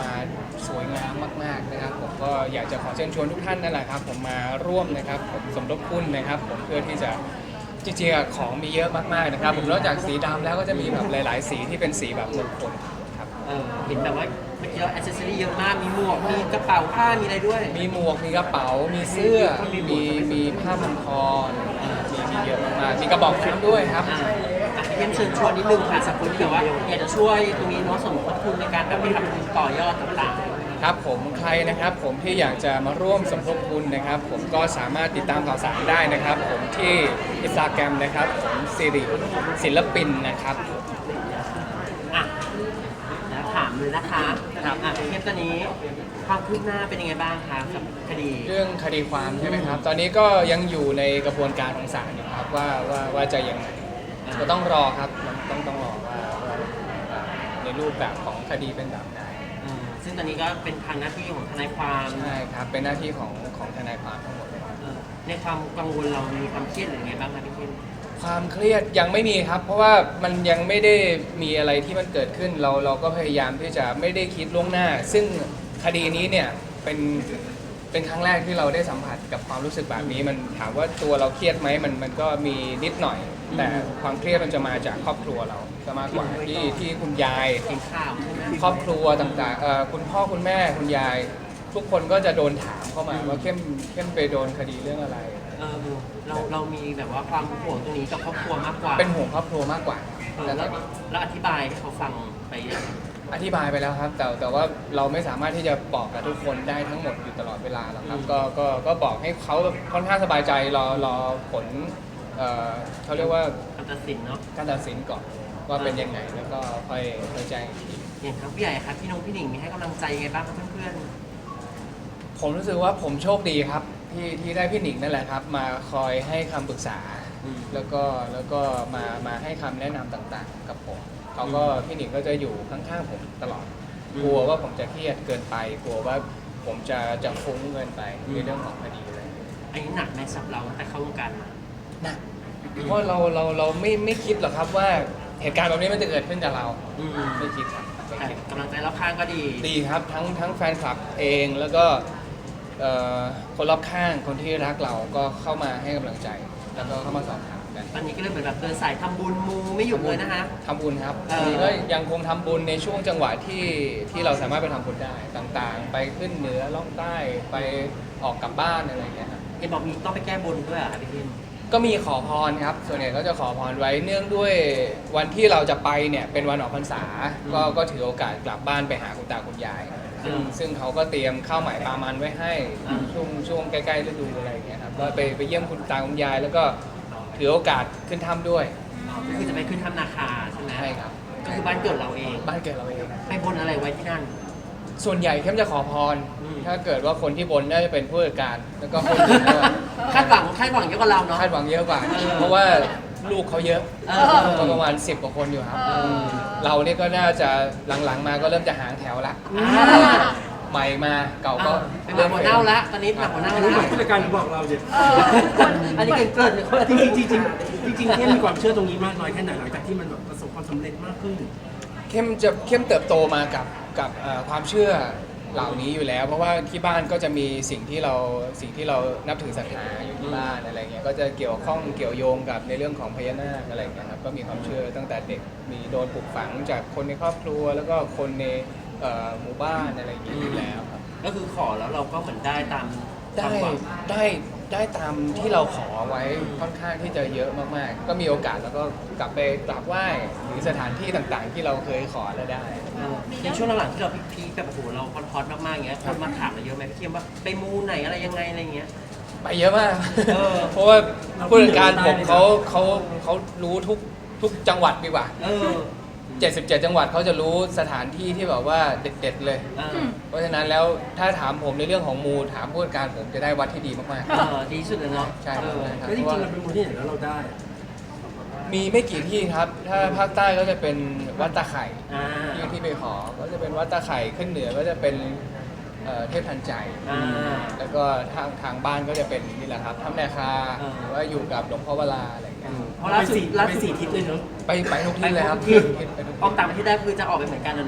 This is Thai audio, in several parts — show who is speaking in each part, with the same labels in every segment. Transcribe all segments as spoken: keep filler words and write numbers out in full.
Speaker 1: มาสวยงามมากๆนะครับผมก็อยากจะขอเชิญชวนทุกท่านนั่นแหละครับผมมาร่วมนะครับผมสมทบทุนนะครับผมเพื่อที่จะจริงๆของมีเยอะมากๆนะครับผมนอกจากสีดำแล้วก็จะมีแบบหลายๆสีที่เป็นสีแบบมงคลครับ
Speaker 2: เออเห็นแบบว่าเมื่อกี้เราแอ c เซสซอรี่เยอะมากมีหมวกมีกระเป๋าผ้ามีอะไรด้วย
Speaker 1: มีหมวกมีกระเป๋ามีเสื้อมีมีผ้าพันคอมีมีเยอะมากๆมีกระบอกน้ำด้วยครับ
Speaker 2: อ่าอ่ะเพียงเชิญชวนนิดนึงค่ะสำหรับคนที่แบบว่าอยากจะช่วยตรงนี้เนาะสมทบทุนในการแบบไปทำทุนต่อยอดต่างๆ
Speaker 1: ครับผมใครนะครับผมที่อยากจะมาร่วมสมทบทุนนะครับผมก็สามารถติดตามข่าวสารได้นะครับผมที่อินสตาแกรมนะครับผมสิริศิลปินนะครับ
Speaker 2: อ่ะแล้วถามเลยนะคะครับอ่ะเทปตอนนี้ความคืบหน้าเป็นยังไงบ้างคะกับคดี
Speaker 1: เรื่องคดีความใช่ไหมครับตอนนี้ก็ยังอยู่ในกระบวนการของศาลอยู่ครับว่าว่าว่าจะยังไงก็ต้องรอครับต้องต้องรอว่าว่าในรูปแบบของคดีเป็นแบบไหน
Speaker 2: อ่าซึ่งตอนนี้ก็เป็นทางหน้าที่ของทนายความ
Speaker 1: ใช่ครับเป็นหน้าที่ของของทนายความทั้งหมดเลย
Speaker 2: เออในความกังวลเรามีความเครียดหรือไงบ้างคะพี่เข้ม
Speaker 1: ความเครียดยังไม่มีครับเพราะว่ามันยังไม่ได้มีอะไรที่มันเกิดขึ้นเราเราก็พยายามที่จะไม่ได้คิดล่วงหน้าซึ่งคดีนี้เนี่ยเป็นเป็นครั้งแรกที่เราได้สัมผัสกับความรู้สึกแบบนี้มันถามว่าตัวเราเครียดไหมมันมันก็มีนิดหน่อยแต่ความเครียดมันจะมาจากครอบครัวเราจะมากกว่าที่ที่คุณยาย
Speaker 2: เห็นข่าวใช่ไหม
Speaker 1: ครอบครัวต่างๆเอ่อคุณพ่อคุณแม่คุณยายทุกคนก็จะโดนถามเข้ามาว่าเข้มเข้มไปโดนคดีเรื่องอะไร
Speaker 2: เออเราเรามีแบบว่าความห่วงตรงนี้กับครอบครัวมากกว่า
Speaker 1: เป็นห่วงครอบครัวมากกว่า
Speaker 2: เออแล้วแล้วอธิบายให้เขาฟังไปยัง
Speaker 1: อธิบายไปแล้วครับแต่แต่ว่าเราไม่สามารถที่จะบอกกับทุกคนได้ทั้งหมดอยู่ตลอดเวลาหรอกครับก็ก็ก็บอกให้เขาค่อนข้างสบายใจรอรอผลเอ่อเขาเรียกว่า
Speaker 2: การตัดสินเนาะ
Speaker 1: การตัดสินก่อนว่าเป็นยังไงแล้วก็ค่อยค่อยแจ้งอีกที
Speaker 2: อย่างครับพี่ใหญ่ครับพี่น้องพี่หนิงมีให้กำลังใจยังไงบ้างครับเพื่อน
Speaker 1: ๆผมรู้สึกว่าผมโชคดีครับที่ที่ได้พี่หนิงนั่นแหละครับมาคอยให้คำปรึกษาแล้วก็แล้วก็มามาให้คำแนะนำต่างๆกับผมเขาก็พี่หนิงก็จะอยู่ข้างๆผมตลอดกลัวว่าผมจะเครียดเกินไปกลัวว่าผมจะจะฟุ้งเกินไปในเรื่องของคดีอะไร
Speaker 2: อันนี้หนักไหมสำหรับเราแต่เข้าวงการมา
Speaker 1: หนักเพราะเราเราเราไม่ไม่คิดหรอกครับว่าเหตุการณ์แบบนี้มันจะเกิดขึ้นกับเราไม่คิดครับ
Speaker 2: แต่กำลังใจรอบข้างก็ดี
Speaker 1: ดีครับทั้งทั้งแฟนคลับเองแล้วก็คนรอบข้างคนที่รักเราก็เข้ามาให้กำลังใจแล้วก็เข้ามาสอบถามกัน
Speaker 2: ตอนนี้ก็เลยเหมือนแบบเดินสายทำบุญมูไม่หยุดเลยนะคะ
Speaker 1: ทำบุญครับตอนนี้ก็ยังคงทำบุญในช่วงจังหวะที่ที่เราสามารถไปทำบุญได้ต่างๆไปขึ้นเหนือล่องใต้ไปออกกลับบ้านอะไรอย่างเงี้ยครับ
Speaker 2: เห็นบอกมีต้องไปแก้บนด้วยอ่ะพี่พิม
Speaker 1: ก็มีขอพรครับส่วนใหญ่ก็จะขอพรไว้เนื่องด้วยวันที่เราจะไปเนี่ยเป็นวันออกพรรษาก็ก็ถือโอกาสกลับบ้านไปหาคุณตาคุณยายซึ่งซึ่งเขาก็เตรียมข้าวใหม่ปลามันไว้ให้ช่วงช่วงใกล้ๆฤดูอะไรอย่างเงี้ยครับก็ไปไปเยี่ยมคุณตาคุณยายแล้วก็ถือโอกาสขึ้นถ้ำด้วย
Speaker 2: ก็คือจะไปขึ้นถ้ำนาคาใช่ไหม
Speaker 1: ใช่ครับ
Speaker 2: ก็คือบ้านเกิดเราเอง
Speaker 1: บ้านเกิดเราเอง
Speaker 2: ไปบนอะไรไว้ที่นั่น
Speaker 1: ส่วนใหญ่เข้มจะขอพรถ้าเกิดว่าคนที่บนน่าจะเป็นผู้จัดการแล้วก็คน
Speaker 2: คาดหวังคาดหวังเยอะกว่าเราเนาะ
Speaker 1: คาดหวังเยอะกว่าเพราะว่าลูกเขาเยอะก็ประมาณสิบกว่าคนอยู่ครับเราเนี่ยก็น่าจะหลังๆมาก็เริ่มจะหางแถวละใหม่มาเก่าก็
Speaker 2: เริ่มหมดเน่าละตอนนี้หนักหมดเน่าละ
Speaker 3: ผู้จัดการบอกเราเนี่ย
Speaker 2: อันนี้เกิดเกิด
Speaker 3: จริงจริงจริงจริงจริงเข้มมีความเชื่อตรงนี้มากน้อยแค่ไหนหลังจากที่มันแบบประสบความสำเร็จมากขึ้น
Speaker 1: เข้มจะเข้มเติบโตมากับกับความเชื่อเหล่านี้อยู่แล้วเพราะว่าที่บ้านก็จะมีสิ่งที่เราสิ่งที่เรานับถือศรัทธาอยู่ที่บ้านอะไรเงี้ยก็จะเกี่ยวข้องเกี่ยวโยงกับในเรื่องของพญานาคอะไรเงี้ยครับก็มีความเชื่อตั้งแต่เด็กมีโดนปลูกฝังจากคนในครอบครัวแล้วก็คนในหมู่บ้านอะไรอย่างเงี้ยอยู่แล้วครับ
Speaker 2: ก็คือขอแล้วเราก็เหมือนได้ตาม
Speaker 1: ได้ได้ได้ตามที่เราขอไว้ค่อนข้างที่จะเยอะมากๆก็มีโอกาสแล้วก็กลับไปกราบไหว้หรือสถานที่ต่างๆที่เราเคยขอแล้วได้
Speaker 2: ในช่วงหลังๆที่เราพีคแบบโอ้โหเราฮอตๆมากๆอย่างเงี้ยคนมาถามเราเยอะไหมพี่เข้มว่าไปมูไหนอะไรยังไงอะไรเงี้ย
Speaker 1: ไปเยอะมากเพราะว่าผู้จัดการผมเขาเขาเขารู้ทุกทุกจังหวัดดีกว่าเจ็ดสิบเจ็ดจังหวัดเขาจะรู้สถานที่ที่แบบว่าเด็ดๆเลยเพราะฉะนั้นแล้วถ้าถามผมในเรื่องของมูถามผู้จัดการผมจะได้วัดที่ดีมาก
Speaker 2: ๆดีสุดเลยเนาะ
Speaker 1: ใช่
Speaker 3: แล้วจริงๆเราเป็นมูที่ไหนแล้วเราได้
Speaker 1: มีไม่กี่ที่ครับถ้าภาคใต้ก็จะเป็นวัดตาไข่ที่ที่ไปขอก็จะเป็นวัดตาไข่ขึ้นเหนือก็จะเป็นเทพทันใจแล้วก็ทางทางบ้านก็จะเป็นนี่แหละครับถ้ำนาคาหรือว่าอยู่กับหลวงพ่อวราอะไรอย่างเงี้ย
Speaker 2: เพราะล่าสุดล่าสุดสี่ทิศเลยเนาะ
Speaker 1: ไปไปทุกที่เลยครับ
Speaker 2: ออกต่างประเทศได้คือจะออกไปเหมือนกันนะเนาะ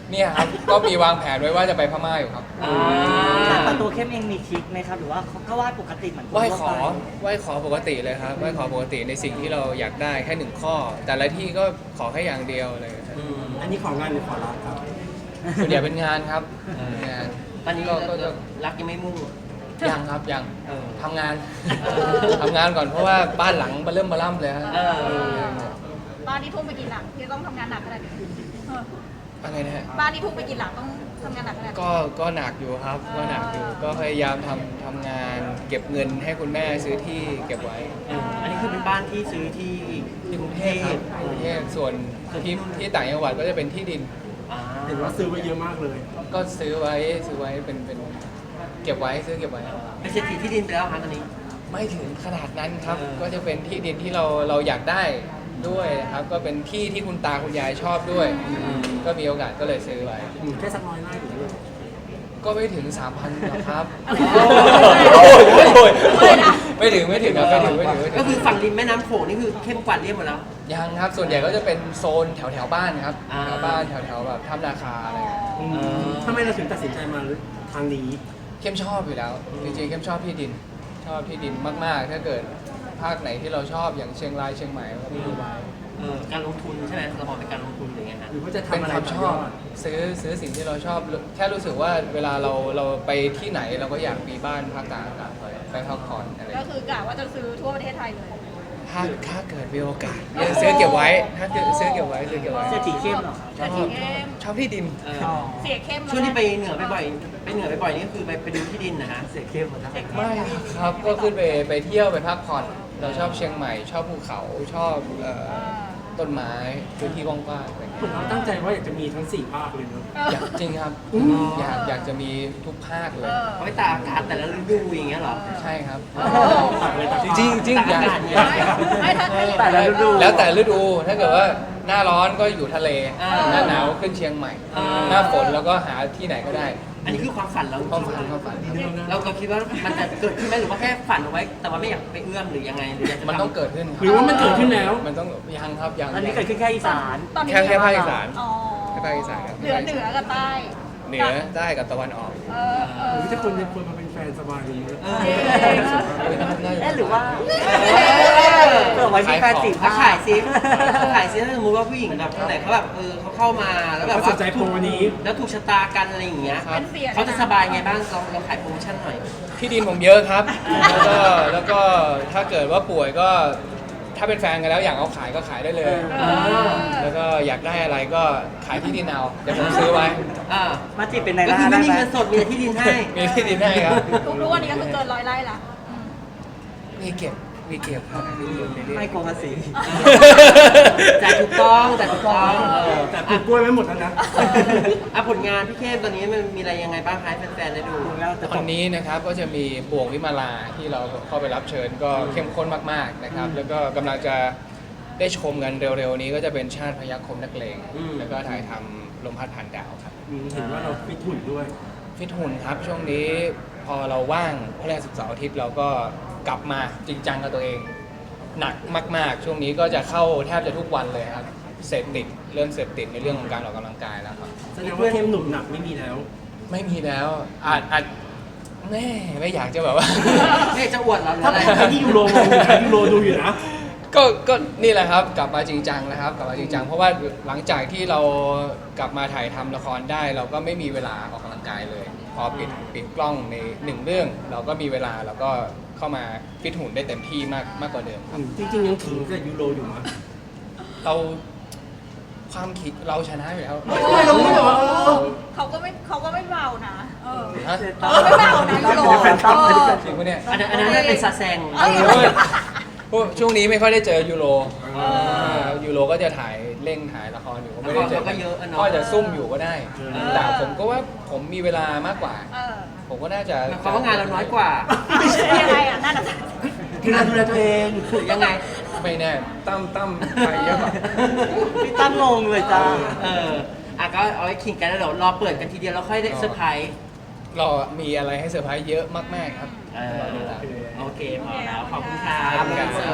Speaker 1: เนี่ยครับ ก็มีวางแผนไว้ว่าจะไปพม่าอยู่ครับ
Speaker 2: อ่า
Speaker 4: แต่ตัวเข้มเองมีทริคไหมครับ หรือว่าเขาก็วาดปกติเหมือนคน
Speaker 1: ไหว้
Speaker 4: ทั่ว
Speaker 1: ขอ
Speaker 4: ไป
Speaker 1: ไหว้ขอปกติเลยครับไหว้ขอปกติในสิ่งที่เราอยากได้แค่หนึ่งข้อ แต่ละที่ก็ขอแค่อย่างเดียวเลยครับ
Speaker 2: อืม
Speaker 3: อันนี้ของงานหรือขอรักครับ
Speaker 1: ส่วนใหญ่เป็นงานครับงาน
Speaker 2: ตอนนี้
Speaker 1: ก็ก็จะ
Speaker 2: รักยังไม่มุ่ง
Speaker 1: ยังครับยัง
Speaker 2: เออ
Speaker 1: ทำงาน
Speaker 2: เออ
Speaker 1: ทำงานก่อนเพราะว่าบ้านหลังมาเริ่มมาล่ำเลยฮะ
Speaker 2: เออ
Speaker 5: บ้านนี้ทุ่มไปกี่หลังที่ต้องทำงานหนักขนาดนี้เออ
Speaker 1: อะไรนะฮะ
Speaker 5: บ้านนี้ทุ่มไปกี่หลังต้องทำงานหนักขนาดนี้
Speaker 1: ก็ก็หนักอยู่ครับก็หนักอยู่ก็พยายามทำทำงานเก็บเงินให้คุณแม่ซื้อที่เก็บไว้
Speaker 2: เอออันนี้คือเป็นบ้านที่ซื้อที่
Speaker 1: ที่กรุงเทพครับกรุงเทพส่วนที่ที่ต่างจังหวัดก็จะเป็นที่ดิน
Speaker 2: อ่า
Speaker 3: เห็นว่าซื้อไว้เยอะมากเลย
Speaker 1: ก็ซื้อไว้ซื้อไว้เป็นเป็นเก็บไว้ซื้อเก็บไว้
Speaker 2: เป็นเศรษฐีที่ดินไปแล้วครับตอนนี้
Speaker 1: ไม่ถึงขนาดนั้นครับ
Speaker 2: เออ
Speaker 1: ก็จะเป็นที่ดินที่เราเราอยากได้ด้วยนะครับ ก็เป็นที่ที่คุณตาคุณยายชอบด้วย ก็มีโอกาสก็เลยซื้อไว้
Speaker 3: อืมแค่สักร้อยไร่หรือเปล่า
Speaker 1: ก็ไม่ถึง สามพันหรอกครับ
Speaker 2: โอ้ย
Speaker 1: โอ้ยไม่ถึงไม่ถึงครับไม่ถึงไม่ถึงไม่ถึ
Speaker 2: ก็
Speaker 1: ง
Speaker 2: คือฝั่งริมแม่น้ำโขงนี่คือเข้มกว่าเรียบหมดแล้ว
Speaker 1: ยังครับส่วนใหญ่ก็จะเป็นโซนแถวแถวๆบ้านครับ
Speaker 2: อ่า
Speaker 1: แถวบ้านแถวแถวๆแบบถ้ำนาคาอะไรอย่างเงี้ย
Speaker 3: อืมทำไมเราถึงตัดสินใจมาทางนี้
Speaker 1: เข้มชอบอยู่แล้วจริงๆเข้มชอบที่ดิน ชอบที่ดินมากๆ ถ้าเกิดภาคไหนที่เราชอบอย่างเชียงรายเชียงใหม่ก็มีไว้
Speaker 2: เออการลงทุนใช่ไหมเรามองเป็นการลงทุนหรือไงฮะ
Speaker 3: หรือว่าจะ
Speaker 1: เป็น
Speaker 3: ทำอะไร
Speaker 1: ความชอบ
Speaker 3: ต่ยด
Speaker 1: ซื้อซื้อสิ่งที่เราชอบ แค่รู้สึกว่าเวลาเราเราไปที่ไหนเราก็อยากมีบ้านพักตากอากาศไปพักผ่อนอะไร
Speaker 5: ก็คือกะว่าจะซื้อทั่วประเทศไทยเลย
Speaker 1: ถ้าถ้าเกิดมีโอกาสซื้อเก็บไว้ ถ้าเกิดซื้อเก็บไว้ซื้อเก็บไว้
Speaker 4: เศรษฐีเข้มเหรอ
Speaker 1: ชอบ
Speaker 5: เศรษฐีเข้ม
Speaker 1: ชอบที่ดิน
Speaker 2: เออ
Speaker 5: เสียเข้ม
Speaker 2: ช่วงที่ไปเหนือไปบ่อยไปเหนือไปบ่อยนี่คือไปไปดูที่ดินนะฮะ
Speaker 4: เสียเข้มหมดแล้ว
Speaker 5: เสียเข้ม
Speaker 1: ไม่ครับก็ขึ้นไปไปเที่ยวไปพักผ่อน เราชอบเชียงใหม่ ชอบภูเขาชอบเอ่อ
Speaker 5: อ่า
Speaker 1: ต้นไม้พื้นที่กว้างๆอะไรอย่าง
Speaker 3: เห
Speaker 1: เงี้
Speaker 3: มือย นเราตั้งใจว่าอยากจะมีทั้งสี่ภาคเลยเนอะ
Speaker 1: อยากจริงครับ
Speaker 3: อืม
Speaker 1: อยากอยากจะมีทุกภาคเล
Speaker 5: เอย อ
Speaker 2: เอาไปตากอากาศแต่ละฤดูอย่างเงี้ยเหรอ
Speaker 1: ใช่ครับ
Speaker 5: โอ้โห
Speaker 1: จริงๆจริงๆอยาก
Speaker 2: ตากอากาศเนี่ย
Speaker 5: ไม่ถ้าถ้าอย่าง
Speaker 4: แต่ละฤดู
Speaker 1: แล้วแต่ฤดูถ้าเกิดว่าหน้าร้อนก็อยู่ทะเล
Speaker 2: อ่า
Speaker 1: หน้าหนาวขึ้นเชียงใหม่
Speaker 2: อ่า
Speaker 1: หน้าฝนแล้วก็หาที่ไหนก็ได้
Speaker 2: อันนี้คือความฝันเรา
Speaker 1: ความฝันความฝันครับ
Speaker 2: เราเราคิดว่ามันจะเกิดขึ้นไหมหรือว่าแค่ฝันเอาไว้ แต่ว่าไม่อยากไปเอื้อมหรือยังไงหรืออยากจะ
Speaker 1: มันต้อง
Speaker 2: ทำ
Speaker 1: เกิดขึ้นค
Speaker 3: หรือ
Speaker 1: รับ
Speaker 3: ว่ามันเกิดขึ้นแล้ว
Speaker 1: มันต้องยังครับยัง
Speaker 4: อันนี้เกิดขึ้นแค่อีสาน
Speaker 5: ตอนนี้
Speaker 1: แค่แค่ภาคอีสาน
Speaker 5: อ๋อ
Speaker 1: แค่ภาคอีสานครับ
Speaker 5: เหนือเหนือกับใต้
Speaker 1: เหนือใต้กับตะวันออก
Speaker 5: เออเออ
Speaker 3: หรือถ้าคนจะควรมาเป็นแฟนสบายดีเนอะ
Speaker 2: เออ
Speaker 4: เอ๊ะหรือว่าเกิดไว้มีแฟนสี่
Speaker 2: ถ้า
Speaker 4: ภา
Speaker 2: ขาย
Speaker 4: ค
Speaker 2: ซิถ้าขายซิถ้าสมมติว่าผู้หญิงแบบคนไหนเขาแบบเออเขาเข้ามาแล้วแบบ
Speaker 3: เขาส
Speaker 2: ว่าน
Speaker 3: ใจโปรนี้
Speaker 2: แล้วถูกชะตากันอะไรอย่างเงี้ย
Speaker 1: ครับ
Speaker 5: เป็นเสีย
Speaker 2: เขาจะสบายไงบ้างลองลองขายโปรโมชั่นหน่อย
Speaker 1: ที่ดินผมเยอะครับ แล้วก็แล้วก็ถ้าเกิดว่าป่วยก็ถ้าเป็นแฟนกันแล้วอยากเอาขายก็ขายได้เลย
Speaker 5: เออ
Speaker 1: แล้วก็อยากได้อะไรก็ขายที่ดินเอาเดี๋ยวผมซื้อไว้
Speaker 2: อ่า
Speaker 4: มาจีบเป็นใน
Speaker 2: ก็
Speaker 4: ร้า
Speaker 2: คือน ไม่
Speaker 4: ได้
Speaker 2: มี
Speaker 4: ไหม
Speaker 2: เงินสดมีแต่ที่ดินให้
Speaker 1: มีที่ดินให้ครับ
Speaker 5: ทุกวันนี้ก็คือเกินร้อยไร่ละอืม
Speaker 1: มีเก็บมีเก็บครับมีเก็บเรื่อยๆ
Speaker 4: ไม่กลัวภาษี
Speaker 2: จ่ายถูกต้องจ่ายถูกต้องเออ
Speaker 3: แต่ปลูกกล้วยไว้หมดแล้วนะ
Speaker 2: อ่ะผลงานพี่เข้มตอนนี้มันมีอะไรยังไงบ้างคะให้แฟนๆได้ดู
Speaker 1: ตอนนี้นะครับก็จะมีบ่วงวิมาลาที่เราเข้าไปรับเชิญก็เข้มข้นมากๆนะครับ แล้วก็กำลังจะได้ชมกันเร็วๆนี้ก็จะเป็นชาติพยัคฆ์คมนักเลง
Speaker 2: อืม
Speaker 1: แล้วก็ถ่ายทำลมพัดผ่านดาวครับ
Speaker 3: อืมเห็นว่าเราฟิตหุ่นด้วย
Speaker 1: ฟิตหุ่นครับช่วงนี้พอเราว่างพฤหัสศุกร์เสาร์อาทิตย์เราก็กลับมาจริงจังกับตัวเอง หนักมาก ๆ ช่วงนี้ก็จะเข้าแทบจะทุกวันเลยครับเสพติดเริ่มเสพติดในเรื่องของการออกกำลังกายแล้วครับ
Speaker 3: แสดงว่าเข้มหนุ่มหนักไม่มีแล้ว
Speaker 1: ไม่มีแล้วอาจอาจแม่ไม่อยากจะแบบว่า
Speaker 2: ไม่อยากจะอวดเหรอหรือ
Speaker 3: ถ้า
Speaker 2: อะไร
Speaker 3: เป็นที่ยูโรมองอยู่นะยูโรดูอยู่นะ
Speaker 1: ก็ก็นี่แหละครับกลับมาจริงจังนะครับกลับมาจริงจังเพราะว่าหลังจากที่เรากลับมาถ่ายทำละครได้ เราก็ไม่มีเวลาออกกำลังกายเลย พอปิดปิดกล้องในหนึ่งเรื่อง เราก็มีเวลาเราก็เข้ามาฟิตหุ่นได้เต็มที่มากมากกว่าเดิมครับ
Speaker 3: จริงๆยังถึงกับยูโรอยู่มั้ย
Speaker 1: เราความคิดเราชนะอยู่แล้ว
Speaker 5: โอ้ยเขาก็ไม่เขาก็ไม่เบานะ เออ
Speaker 1: ฮะ
Speaker 5: เขาก็ไม่เบานะยูโร
Speaker 3: แฟนคลับ
Speaker 5: เออ
Speaker 1: จริงปะเนี่ย
Speaker 2: อันนั้นอันนั้นน่าเป็นซาแซง
Speaker 5: เอ้ย
Speaker 1: โอ้ยพวกช่วงนี้ไม่ค่อยได้เจอยูโร
Speaker 5: เออ
Speaker 1: ยูโรก็จะถ่ายเร่งถ่ายละครอยู่ก็ไม่ได้เจอ
Speaker 2: ละครก็เยอะอะเนาะ
Speaker 1: ก็จะซุ่มอยู่ก็ได้
Speaker 2: เออ
Speaker 1: แต่ผมก็ว่าผมมีเวลามากกว่า
Speaker 5: เออ
Speaker 1: ผมก็น่าจะ
Speaker 2: หมายความว่างานเราน้อยกว่า
Speaker 5: ยังไงอ่ะนั่นน่ะ
Speaker 3: คือการดูแลตัวเอง
Speaker 2: หรือยังไง
Speaker 1: ไม่แน่ตั้มตั้มไปเยอะกว่า
Speaker 4: พี่ตั้งงงเลยจ้า
Speaker 2: เอออ่ะก็เอาไว้ขิงกันแล้วเดี๋ยวรอเปิดกันทีเดียวแล้วค่อยได้เซอร์ไพรส์
Speaker 1: รอมีอะไรให้เซอร์ไพรส์เยอะมากๆครับ
Speaker 2: เออ
Speaker 1: รอดูตาม
Speaker 2: โอเคพอแล้ว ขอบคุณครั
Speaker 1: ครับ บ